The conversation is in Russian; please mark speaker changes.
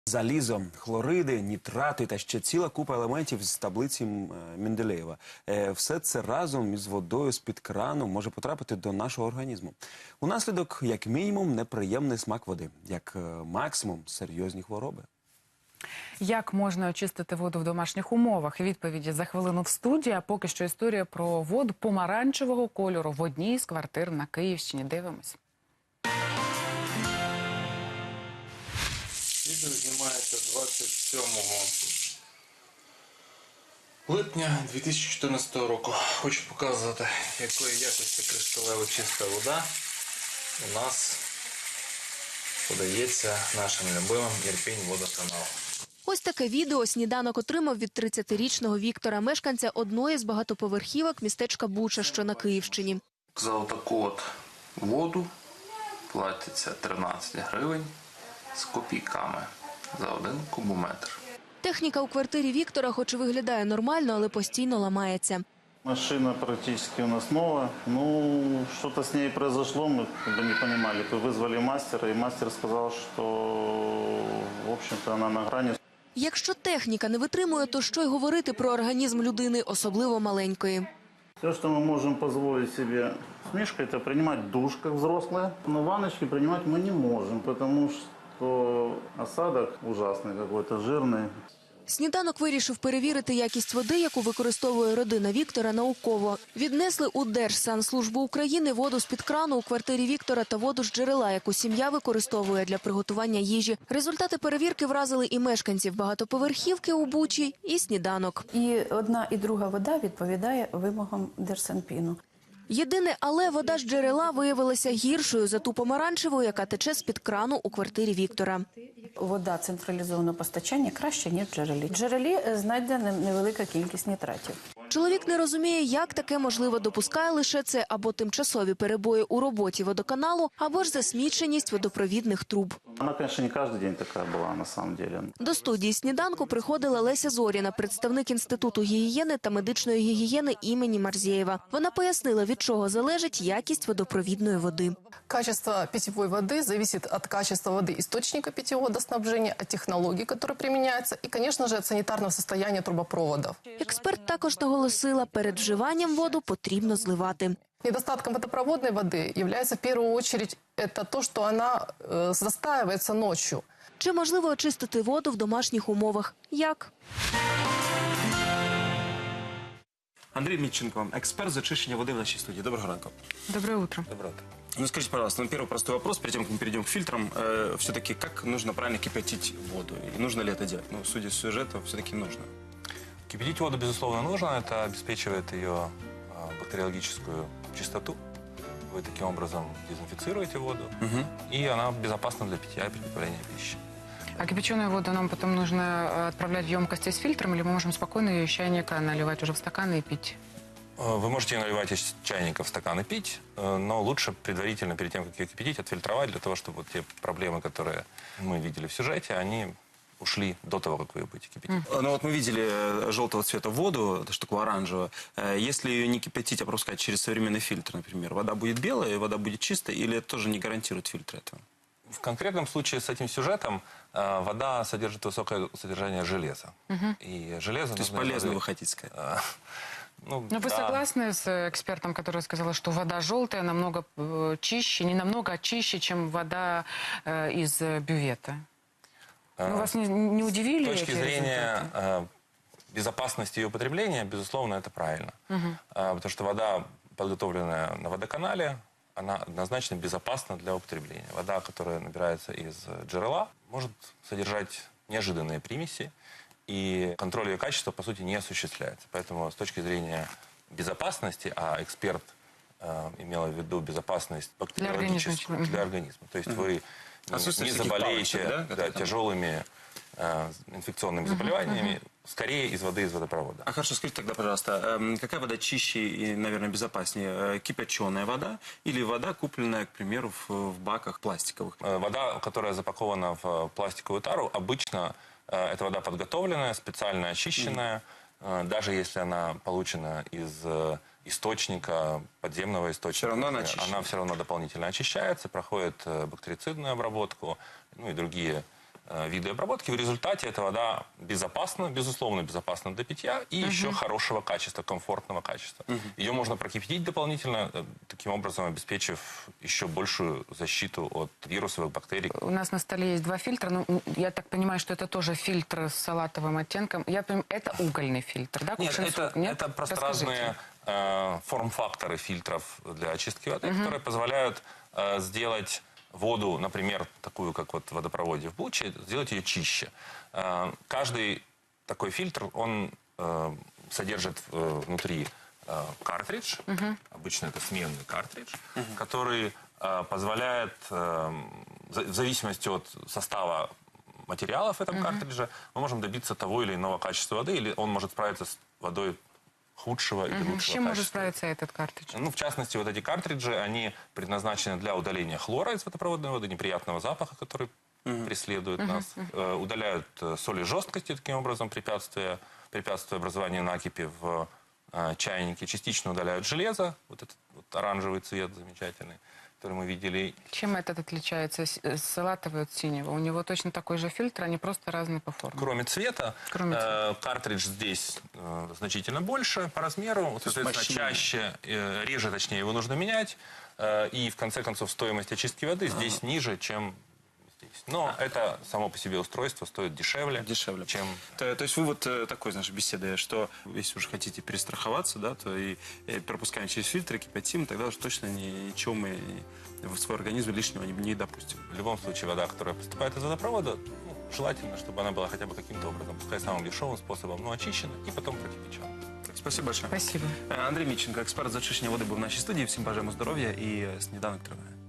Speaker 1: Залізо, хлориди, нітрати та ще ціла купа елементів з таблиці Менделєєва. Все це разом із водою з-під крану може потрапити до нашого організму. Унаслідок, як мінімум, неприємний смак води, як максимум серйозні хвороби.
Speaker 2: Як можна очистити воду в домашніх умовах? Відповіді за хвилину в студії. А поки що історія про воду помаранчевого кольору в одній з квартир на Київщині. Дивимось.
Speaker 3: Відео знімається 27 липня 2014 року. Хочу показати, якої якості кришталево чиста вода у нас подається нашим любимим Ірпінь-водоканалом.
Speaker 4: Ось таке відео «Сніданок» отримав від 30-річного Віктора, мешканця одної з багатоповерхівок містечка Буча, що на Київщині.
Speaker 3: За отаку от воду платиться 13 гривень з копійками за 1 кубометр.
Speaker 4: Техніка у квартирі Віктора хоч і виглядає нормально, але постійно ламається.
Speaker 5: Машина практически у нас новая. Ну, что-то с ней произошло, мы не понимали. Вызвали мастера, и мастер сказал, что, в общем-то, она на грани.
Speaker 4: Якщо техніка не витримує, то що й говорити про організм людини, особливо маленької.
Speaker 5: Все, что мы можем позволить себе с Мишкой, это принимать душ, как взрослые. Но ванночки принимать мы не можем, потому что осадок ужасный какой-то, жирный.
Speaker 4: «Сніданок» вирішив перевірити якість води, яку використовує родина Віктора, науково. Віднесли у Держсанслужбу України воду з-під крану у квартирі Віктора та воду з джерела, яку сім'я використовує для приготування їжі. Результати перевірки вразили і мешканців багатоповерхівки у Бучі, і «Сніданок».
Speaker 6: І одна, і друга вода відповідає вимогам Держсанпіну.
Speaker 4: Єдине, але вода з джерела виявилася гіршою за ту помаранчеву, яка тече з-під крану у квартирі Віктора.
Speaker 6: Вода централізованого постачання краще, ніж в джерелі. В джерелі знайдена невелика кількість нітратів.
Speaker 4: Чоловік не розуміє, як таке можливо, допускає лише це або тимчасові перебої у роботі водоканалу, або ж засміченість водопровідних труб.
Speaker 5: Она, конечно, не каждый день такая была, на самом деле.
Speaker 4: До студії «Сніданку» приходила Леся Зоріна, представник Інституту гігієни та медичної гігієни імені Марзєєва. Вона пояснила, від чого залежить якість водопровідної води.
Speaker 7: Качество питьевой воды зависит от качества воды источника питьевого водоснабжения, от технологий, которые применяются, и, конечно же, от санитарного состояния трубопроводов.
Speaker 4: Эксперт також наголосила, перед вживанням воду потрібно зливати.
Speaker 7: Недостатком водопроводной воды является в первую очередь это то, что она застаивается ночью.
Speaker 4: Чи можливо очистити воду в домашніх умовах? Як?
Speaker 1: Андрій Мітченко, експерт з очищення води в нашій студії. Доброго ранку.
Speaker 2: Доброе утро.
Speaker 1: Доброе утро. Ну, скажите, пожалуйста, первый простой вопрос, перед тем, как мы перейдем к фильтрам, все-таки как нужно правильно кипятить воду? И нужно ли это делать? Ну, судя с сюжета, все-таки нужно.
Speaker 8: Кипятить воду, безусловно, нужно. Это обеспечивает ее бактериологическую чистоту. Вы таким образом дезинфицируете воду, и она безопасна для питья и приготовления пищи.
Speaker 2: А кипяченую воду нам потом нужно отправлять в емкости с фильтром, или мы можем спокойно ее из чайника наливать уже в стаканы и пить?
Speaker 8: Вы можете ее наливать из чайника в стакан и пить, но лучше предварительно, перед тем, как ее кипятить, отфильтровать, для того, чтобы вот те проблемы, которые мы видели в сюжете, они ушли до того, как вы ее будете кипятить.
Speaker 1: Ну вот мы видели желтого цвета воду, даже такую оранжевую. Если ее не кипятить, а пропускать через современный фильтр, например, вода будет белая, вода будет чистая, или это тоже не гарантирует фильтр этого?
Speaker 8: В конкретном случае с этим сюжетом вода содержит высокое содержание железа. И железо...
Speaker 1: То есть полезно, вы хотите сказать?
Speaker 2: Ну, вы согласны с экспертом, который сказал, что вода желтая намного чище, не намного, а чище, чем вода из бювета? Ну, вас не удивили
Speaker 8: С точки
Speaker 2: эти
Speaker 8: зрения
Speaker 2: результаты?
Speaker 8: безопасности ее употребления, безусловно, это правильно. Потому что вода, подготовленная на водоканале, она однозначно безопасна для употребления. Вода, которая набирается из джерела, может содержать неожиданные примеси, и контроль ее качества, по сути, не осуществляется. Поэтому с точки зрения безопасности, а эксперт имела в виду безопасность бактериологическую для организма. То есть вы не заболеете тяжелыми инфекционными заболеваниями, скорее из воды из водопровода.
Speaker 1: А хорошо, скажите тогда, пожалуйста, какая вода чище и, наверное, безопаснее? Кипяченая вода или вода, купленная, к примеру, в баках пластиковых?
Speaker 8: Вода, которая запакована в пластиковую тару, обычно это вода подготовленная, специально очищенная. Даже если она получена из источника, подземного источника, она все равно дополнительно очищается, проходит бактерицидную обработку, ну и другие виды обработки. В результате эта вода безопасна, безусловно безопасна для питья и еще хорошего качества, комфортного качества. Ее можно прокипятить дополнительно, таким образом обеспечив еще большую защиту от вирусов, бактерий.
Speaker 2: У нас на столе есть 2 фильтра. Ну, я так понимаю, что это тоже фильтр с салатовым оттенком. Я понимаю, это угольный фильтр, да?
Speaker 8: Нет,
Speaker 2: Кувшинсу?
Speaker 8: это просто разные форм-факторы фильтров для очистки воды, которые позволяют сделать воду, например, такую, как вот в водопроводе в Буче, сделать ее чище. Каждый такой фильтр, он содержит внутри картридж, обычно это сменный картридж, который позволяет, в зависимости от состава материалов в этом картридже, мы можем добиться того или иного качества воды, или он может справиться с водой худшего или лучшего
Speaker 2: С чем может
Speaker 8: качества.
Speaker 2: справиться этот картридж?
Speaker 8: Ну, в частности, вот эти картриджи, они предназначены для удаления хлора из водопроводной воды, неприятного запаха, который преследует нас. Удаляют соли жесткости, таким образом, препятствуя образованию накипи в чайнике. Частично удаляют железо, вот этот вот оранжевый цвет замечательный, который мы видели.
Speaker 2: Чем этот отличается салатовый от синего? У него точно такой же фильтр, они просто разные по форме.
Speaker 8: Кроме цвета, картридж здесь значительно больше по размеру, соответственно, чаще, реже, точнее, его нужно менять. И, в конце концов, стоимость очистки воды здесь ниже, чем здесь. Но это само по себе устройство стоит дешевле. Чем...
Speaker 1: То есть вы вот такой, знаешь, беседы, что если уже хотите перестраховаться, да, то и пропускаем через фильтры, кипятим, тогда уж точно ничего мы в свой организм лишнего не допустим.
Speaker 8: В любом случае, вода, которая поступает из водопровода, желательно, чтобы она была хотя бы каким-то образом, пускай самым дешевым способом, но очищена и потом прокипячена.
Speaker 1: Спасибо большое.
Speaker 2: Спасибо.
Speaker 1: Андрій Міченко, експерт з очищення води, був в нашій студії. Всім бажаємо здоров'я і сніданок триває.